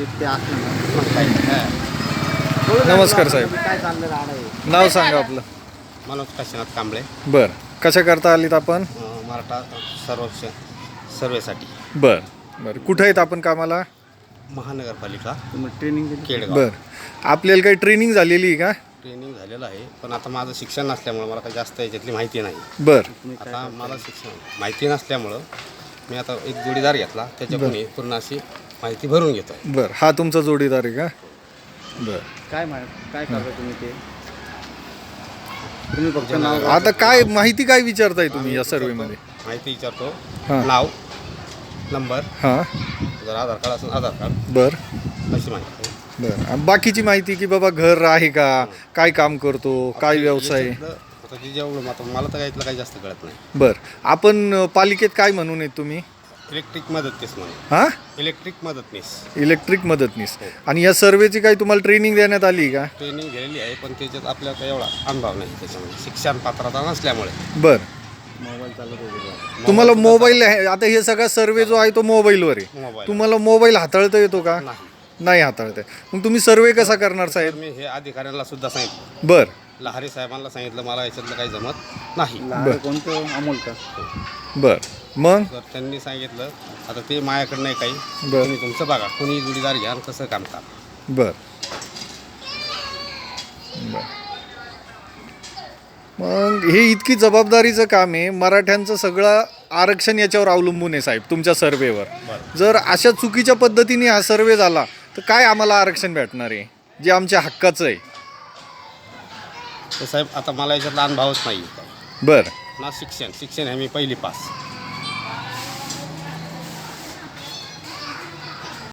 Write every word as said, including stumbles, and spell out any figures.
ते असलं ना मग काही नाही. नमस्कार साहेब. काय चाललं राहणं आहे. नाव सांगा आपलं. मनोज काशीनाथ कांबळे. बर, कशा करता आलीत आपण? अं, मराठा सर्वेक्षण सर्वेसाठी बर बर, कुठं आहेत आपण कामाला? महानगरपालिका तुम्ही ट्रेनिंग दिली. केडगाव. बर, आपल्याला काही ट्रेनिंग झालेली आहे का? ट्रेनिंग झालेलं आहे, पण आता माझं शिक्षण नसल्यामुळं मला काही जास्त याच्यातली माहिती नाही. बर तुम्ही काय आता मला शिक्षण माहिती नसल्यामुळं मी आता एक जोडीदार घेतला, त्याच्याकडून पूर्ण अशी माहिती भरून घेतो आहे. बर, हा तुमचा जोडीदार आहे का? बर, काय मा काय करता तुम्ही ते तुम्ही फक्त नाव आता काय माहिती काय विचारताय तुम्ही या सर्वेमध्ये? माहिती विचारतो. हां. नाव, नंबर, हां. जर आधार कार्ड असेल आधार कार्ड, बर अशी माहिती. बर, आणि बाकीची माहिती की बाबा घर आहे का, काय काम करतो, काय व्यवसाय? याच्यातलं आता जे जेवढं आता मला तर यातलं काही जास्त कळत नाही. बर, आपण अ, पालिकेत काय म्हणून आहेत तुम्ही? इलेक्ट्रिक मदतनीस म्हणून. हां, इलेक्ट्रिक मदतनीस इलेक्ट्रिक मदतनीस. आणि या सर्वेची काही तुम्हाला ट्रेनिंग देण्यात आली का? ट्रेनिंग घेतलेली आहे, पण त्याच्यात आपल्याला काही एवढा अनुभव नाही त्याच्यामध्ये, शिक्षण पात्रता नसल्यामुळे. बर, मोबाईल चालत होते. तुम्हाला मोबाईल आहे, आता हे सगळा सर्वे जो आहे तो मोबाईलवर आहे. मोबाईल तुम्हाला मोबाईल हाताळता येतो का? नाही. नाही हाताळता येत. मग तुम्ही सर्वे कसा करणार तर साहेब? मी हे अधिकाऱ्यांना सुद्धा सांगितलं, बर लहारी साहेबांना सांगितलं, मला याच्यातलं काही जमत नाही. लहान कोणतं अमोल का? बर, मग तर त्यांनी सांगितलं आता ते माझ्याकडे नाही काही, बर. तुम्ही तुमचं बघा, कोणी जोडीदार घ्या आणि कसं काम करा. बर बर, मग हे इतकी जबाबदारीचं काम आहे. मराठ्यांचं सगळं आरक्षण याच्यावर अवलंबून आहे साहेब, तुमच्या सर्वेवर. बरं. जर अशा चुकीच्या पद्धतीने हा सर्वे झाला तर काय आम्हाला आरक्षण भेटणार आहे जे आमच्या हक्काचं आहे? तर साहेब आता मला याच्यातला अनुभवच नाही. बर ना शिक्षण शिक्षण आहे मी पहिली पास.